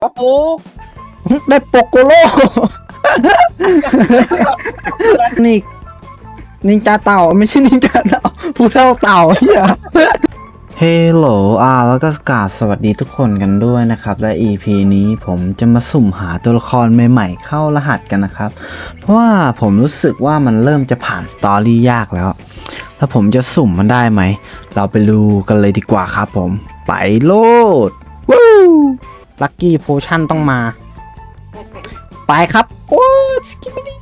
โอ้โหได้โปโกโลนี่นินจาเต่าไม่ใช่นินจาเต่าผู้เท่าเต่าเฮียเฮลโหลแล้วก็กราบสวัสดีทุกคนกันด้วยนะครับและ EP นี้ผมจะมาสุ่มหาตัวละครใหม่ๆเข้ารหัสกันนะครับ เพราะว่าผมรู้สึกว่ามันเริ่มจะผ่านสตอรี่ยากแล้วผมจะสุ่มมันได้ไหมเราไปดูกันเลยดีกว่าครับผมไปโลดวู้ลัคกี้โพชั่นต้องมาไปครับโอ้สกิมิดี้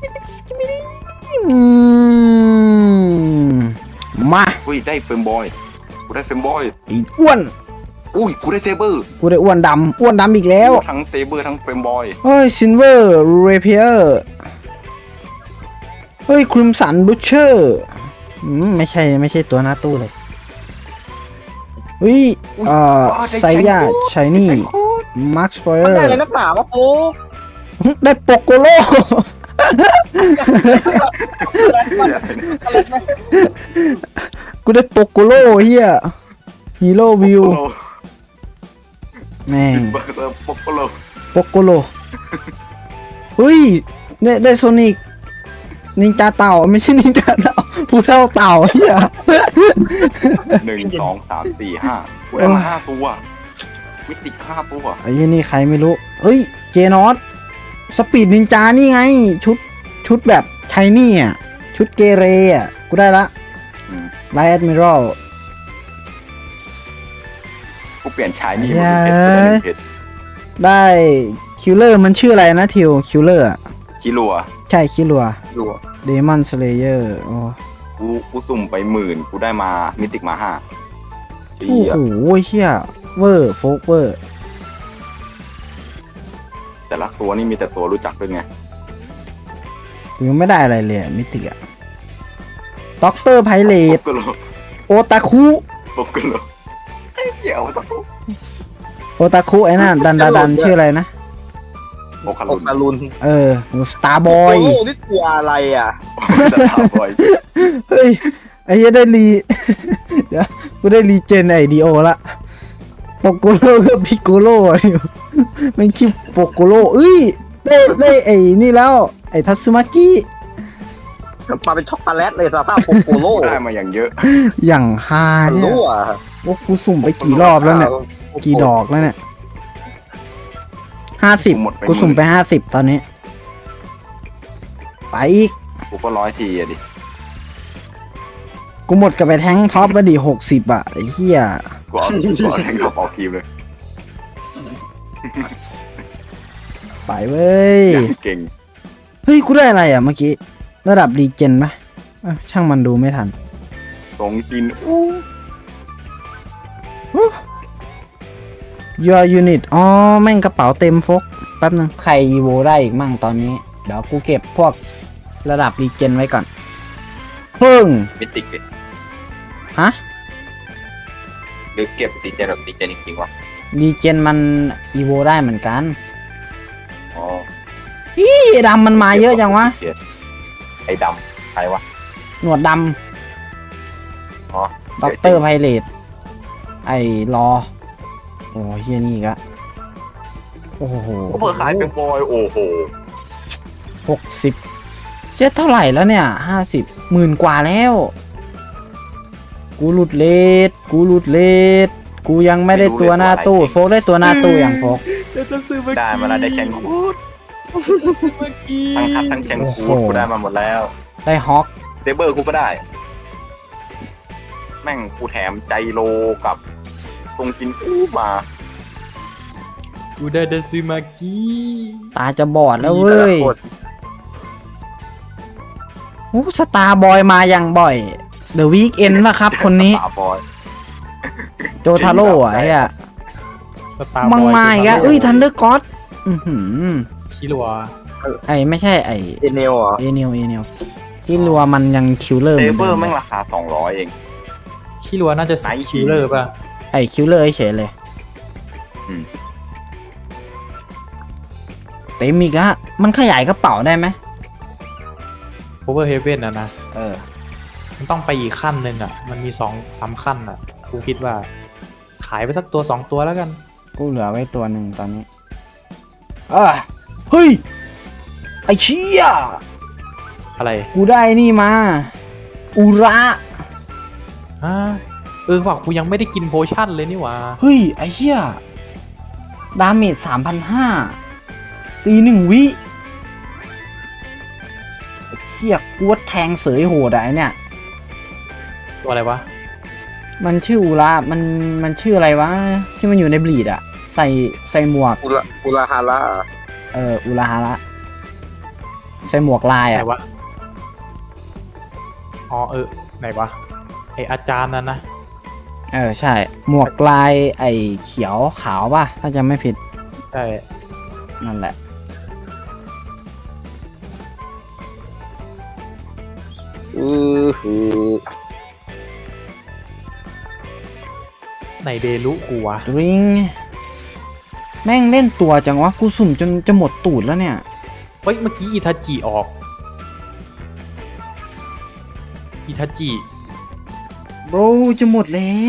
มาอุ้ยได้เฟรมบอยกูได้เฟรมบอยไอ้อ้วนอุ้ยกูได้เซเบอร์กูได้อ้วนดำอีกแล้วทั้งเซเบอร์ทั้งเฟรมบอยเฮ้ยซินเวอร์เรเพียร์เฮ้ยคริมสันบูชเชอร์ไม่ใช่ตัวหน้าตู้เลยเฮ้ยไซย่าชายนี่มาร์คสเปอร์มันได้เลยนักหนาวะโอ้ได้โปโกโลกูได้โปโกโลเฮียฮีโร่วิวแม่งเบอร์โปโกโลโปโกโลเฮ้ยได้โซนิกนินจาเต่าไม่ใช่นินจาเต่าผู้เท่าเต่าเฮีย 1 2 3 4 5กูได้มา5 ตัวมิติ5 ตัวไอ้ยี่นี่ใครไม่รู้เฮ้ยเจนอสสปีดนินจานี่ไงชุดแบบชายนี่อ่ะชุดเกเรอ่ะกูได้ละไลท์แอดมิรัลกูเปลี่ยนชายนี่มาเป็นเพชรได้คิลเลอร์มันชื่ออะไรนะทิวคิลเลอร์คิรัวใช่คิลัวดูเดมอนสเลเยอร์โอ้กูสุ่มไป10,000กูได้มามิติมา5 โหเฮียเวอร์โฟกเวอร์แต่ละตัวนี่มีแต่ตัวรู้จักด้วยไงยังไม่ได้อะไรเลยมิติอะด็อกเตอร์ไพเรตโปโกโลโอตาคุโปโกโลไอ้เหี้ยโอตาคุโอตาคุไอ้นั่นดันชื่ออะไรนะโอคาอรุกนตาลุนสตาร์บอยโอ้นี่ตัวอะไรอ่ะแต่ถามบอยเฮ้ยไอ้เหี้ยได้รี เดี๋ยวกูได้รีเจนไอดีโอละโปโกโลกับพิโกโลอยู่มันชื่อโปโกโลเอ้ยได้ไอ้นี่แล้วไอ้ทัตสึมากิมาเป็นช็อกโกแลตเลยสภาพโปโปโลได้มาอย่างเยอะอย่างฮามันเนี่ยรู้อ่ะโอ้กูสุ่มไปกี่รอบแล้วเนี่ยกี่ดอกแล้วเนี่ย50กูสุ่มไป50ตอนนี้ ไปอีกกูก็100 ทีอะดิกูหมดกับไปแท้งท็อปมาดิ60อ่ะไอ้เหี้ยกูเอาแทงกระเป๋าทีมเลยไปเว้ยอย่างเก่งเฮ้ยกูได้อะไรอ่ะเมื่อกี้ระดับรีเจนไหมช่างมันดูไม่ทันทรงจิน Your unit อ๋อแม่งกระเป๋าเต็มฟกแป๊บนึงใครโวได้อีกมั่งตอนนี้ เดี๋ยวกูเก็บพวกระดับรีเจนไว้ก่อนครึ่งมิติกดิฮะหรือเก็บตีเจนแบบตีเจนจริงๆวะรีเจนมันอีโวได้เหมือนกันอ๋อพี่ดำมันมาเยอะจังวะไอ้ดำใครวะหนวดดอ๋อำด็อกเตอร์ไพเรตไอ้รอโอ้เฮียนี่อีกอะโอ้โหก็เพิ่งขายเป็นบอยโอ้โห 60เช็ดเท่าไหร่แล้วเนี่ย50 10,000 กว่าแล้ว กูหลุดเลทกูยังไม่ได้ตัวหน้าตู้โฟกได้ตัวหน้าตู้อย่างโฟกได้มาแล้วได้แชงคูดทั้งทัดทั้งแชงคูดกูได้มาหมดแล้วได้ฮอกเซเบอร์กูก็ได้ แม่งกูแถมใจโลกับทรงจินกูมากูได้เดซึมากิตาจะบอดแล้วเว้ยโอ้สตาร์บอยมาอย่างบ่อยเดอะวีคเอนป่ะครับคนนี้สาบอยโจทาโร่อะไอ้อะสตาร์มังมาอีกอะเอ้ยทันเดอร์ก็อดคิรัวไอ้ไม่ใช่ไอ้เอเนลอ่ะเอเนลที่รัวมันยังคิวเลอร์เซเหมือนเบอเดิร์มแม่งราคา200เองคิรัวน่าจะไหนคิลเลอร์ป่ะไอ้คิวเลอร์เฉยเลยอืมเต็มอีกอะมันขยายกระเป๋าได้ไหมโอเวอร์เฮเว่นอะนะเออมันต้องไปอีกขั้นหนึ่งอะมันมี2-3ขั้นอะกูคิดว่า ขายไปสักตัว2 ตัวแล้วกันกูเหลือไว้ตัวหนึ่งตอนนี้เฮ้ยไอ้เชี่ยอะไรกูได้นี่มา อุระฮะว่ะกูยังไม่ได้กินโพชั่นเลยนี่หว่าเฮ้ยไอ้เชี่ยดาเมจ3,500ตี1 วิไอ้เชี่ยกูว่าแทงเสยโหดอะไอ้เนี่ยตัวอะไรวะมันชื่ออุระมันชื่ออะไรวะที่มันอยู่ในบลีดอะใส่หมวกอุลาฮาระอุระฮาระใส่หมวกลายไหนอะวะ อ๋อไหนวะ ไออาจารย์นั่นนะใช่ หมวกลายไอ้เขียวขาวป่ะ ถ้าจำไม่ผิดใช่นั่นแหละคือไหนเบลุกูวะดริงแม่งเล่นตัวจังวะ กูสุ่มจนจะหมดตูดแล้วเนี่ยเฮ้ย เมื่อกี้อิทาจิออก อิทาจิโบรจะหมดแล้ว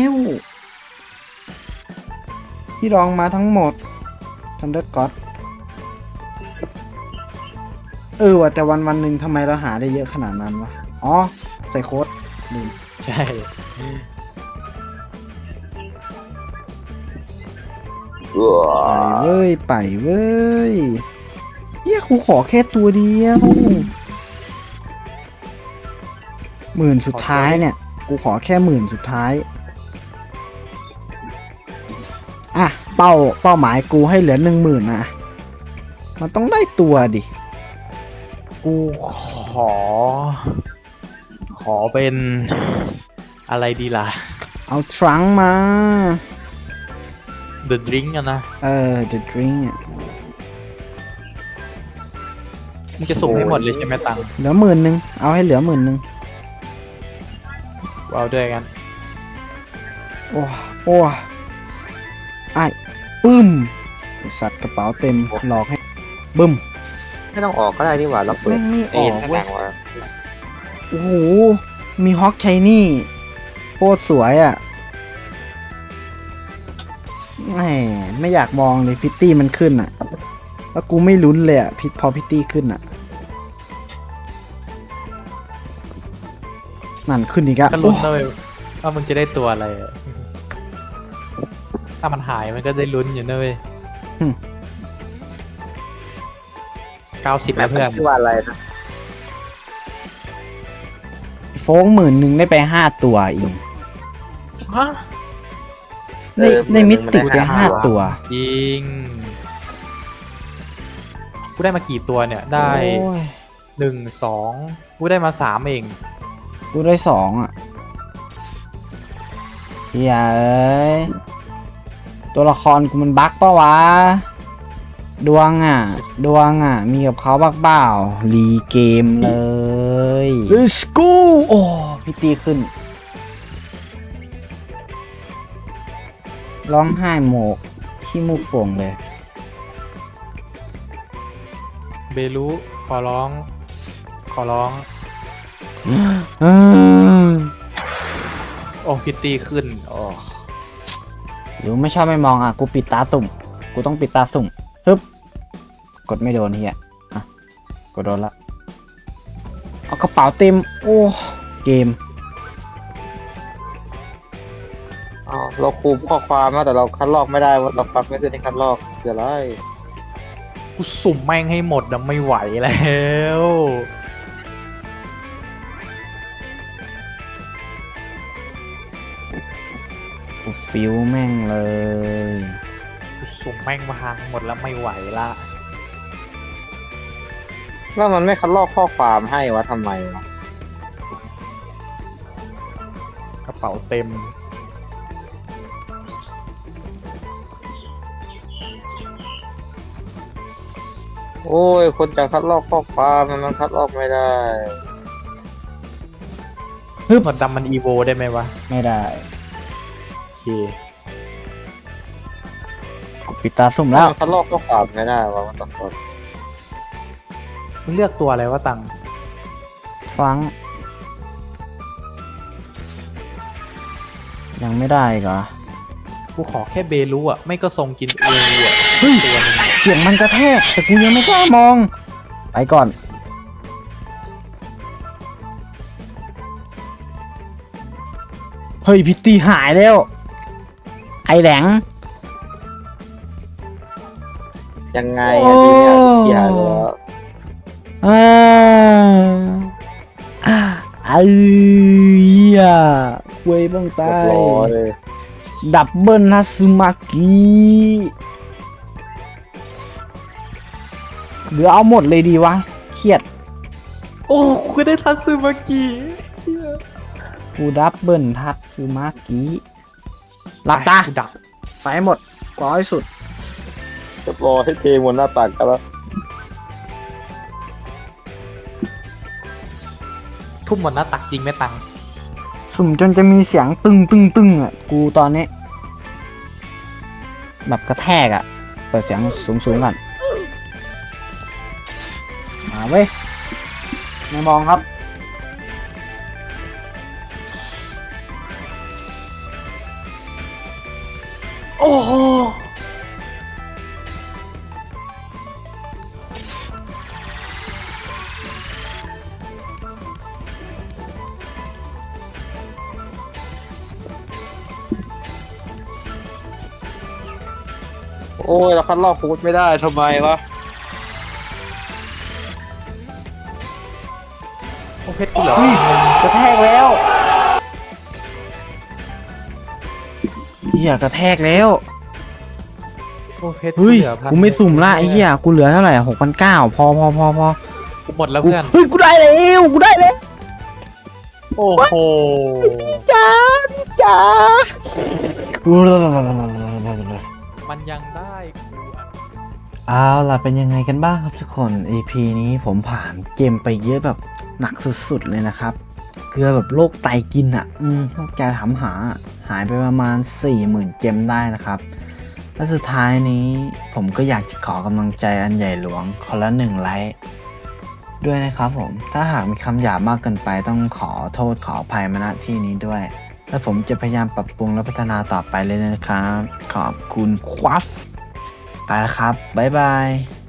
พี่ลองมาทั้งหมดทันเดอร์ก็อดว่ะแต่วันหนึ่งทำไมเราหาได้เยอะขนาดนั้นวะ อ๋อ ใส่โค้ดลืมใช่ไปเว้ยเฮียกูขอแค่ตัวเดียว10,000สุดท้ายเนี่ย กูขอแค่10,000สุดท้าย อ่ะ เป้าหมายกูให้เหลือ10,000นะมันต้องได้ตัวดิกูขอเป็นอะไรดีล่ะเอาทรังก์มา The Drink อะนะ The Drink อ่ะมึงจะส่งให้หมดเลยใช่ไหมตังค์เหลือ10,000เอาให้เหลือ10,000 เอาด้วยกันโอ้ไอ้ปึ้มไอ้สัตว์กระเป๋าเต็มหลอกให้บึ้มไม่ต้องออกก็ได้นี่หว่าเราเปิดแม่งไม่ออกข้างเว้หยลังว่าโอ้โห มีฮอกไชนี่โคตรสวยอ่ะแหมไม่อยากมองเลยพิตตี้มันขึ้นอ่ะ แล้วกูไม่ลุ้นเลยอ่ะพอพิตตี้ขึ้นอ่ะ นั่นขึ้นอีกอะก็ลุ้นเลยว่ามึงจะได้ตัวอะไรอะถ้ามันหายมันก็ได้ลุ้นอยู่นะเว้ย 90 แบแล้วบเพื่อนชื่อว่าอะไรนะโฟง10,000ได้ไป5 ตัวอีกฮะได้มิติไป5 ตัวจริง กูได้มากี่ตัวเนี่ย ได้โอ้ย 1 2 กูได้มา 3 เองกูได้2อ่ะเฮียเอ้ยตัวละครกูมันบั๊กปะวะ ดวงอ่ะ มีกับเขาบักเปล่ารีเกมเลย Let's go โอ้พี่ตีขึ้น ร้องไห้โหมกที่มูกโป่งเลยเบลุขอร้อง โอ้พิตตี้ขึ้นโอ้หรือไม่ชอบไม่มองอ่ะ กูปิดตาสุ่ม กูต้องปิดตาสุ่มฮึบกดไม่โดนเฮียอ่ะ กดโดนละ เอากระเป๋าเต็ม โอ้ เกมอ๋อเราคูมข้อความนะแต่เราคัดลอกไม่ได้ว่าเราปรับไม่ขึ้นในคัดลอกเดี๋ยวไรกูสุ่มแม่งให้หมดนะไม่ไหวแล้วกูฟิวแม่งเลยกูสุ่มแม่งมาหางหมดแล้วไม่ไหวละแล้วมันไม่คัดลอกข้อความให้วะทำไมวะกระเป๋าเต็มโอ้ยคนจะคัดลอกข้อความมันคัดลอกไม่ได้หมดดำมันอีโวได้ไหมวะไม่ได้โอเคกูปิดตาสุ่มแล้วมันคัดลอกข้อความไม่ได้วะมันต้องกดมึงเลือกตัวอะไรวะตังฟัง ยังไม่ได้อีกเหรอกูขอแค่เบลูอ่ะ ไม่ก็ทรงกินเอวูอ่ะตัวหนึงเสียงมันกระแทกแต่กูยังไม่กล้ามอง ไปก่อน เฮ้ยพิตตี้หายแล้ว ไอแหลงยังไงอ่ะทีเนี้ยเกียร์แล้วไอ้เหี้ยเว้ยบ้างเรีตายบร้อยดับเบิลฮัตสึมากิหรือเอาหมดเลยดีวะ เครียดโอ้กูได้ทัตสึมากิกูดับเบิลฮัตสึมากิหลับตาดับไปให้หมดกอให้สุดเรียบร้อยให้เทหมดหน้าตักกันแล้วทุ่มหมดหน้าตักจริงไหมตังสุ่มจนจะมีเสียงตึงตึงตึงอ่ะ กูตอนนี้ แบบกระแทกอ่ะ เปิดเสียงสูงสูงก่อน มาเว้ย ไม่มองครับโอ้โหโอ้ยเราคัดลอกคูดไม่ได้ทำไมวะโอ้เพชรกูเหรอกระแทกแล้วเหี้ยกระแทกแล้วโอ้เพชรเฮ้ยเหลือ1,000 กูไม่สุ่มละไอ้เหี้ย กูเหลือเท่าไหร่6,900พอกูหมดแล้วกูเพื่อนเฮ้ย กูได้แล้วกูได้แล้วโอ้โหจ้าจ้ามันยังได้กูอะเอาล่ะเป็นยังไงกันบ้างครับทุกคน EP นี้ผมผ่านเกมไปเยอะแบบหนักสุดๆเลยนะครับเกลือแบบโรคไตกินอ่ะโรคแกถามหาหายไปประมาณ 40,000 เจมได้นะครับและสุดท้ายนี้ผมก็อยากจะขอกำลังใจอันใหญ่หลวงคนละ1 ไลค์ด้วยนะครับผมถ้าหากมีคำหยาบมากเกินไปต้องขอโทษขออภัยมาณที่นี้ด้วยและผมจะพยายามปรับปรุงและพัฒนาต่อไปเลยนะครับขอบคุณครับไปแล้วครับบ๊ายบาย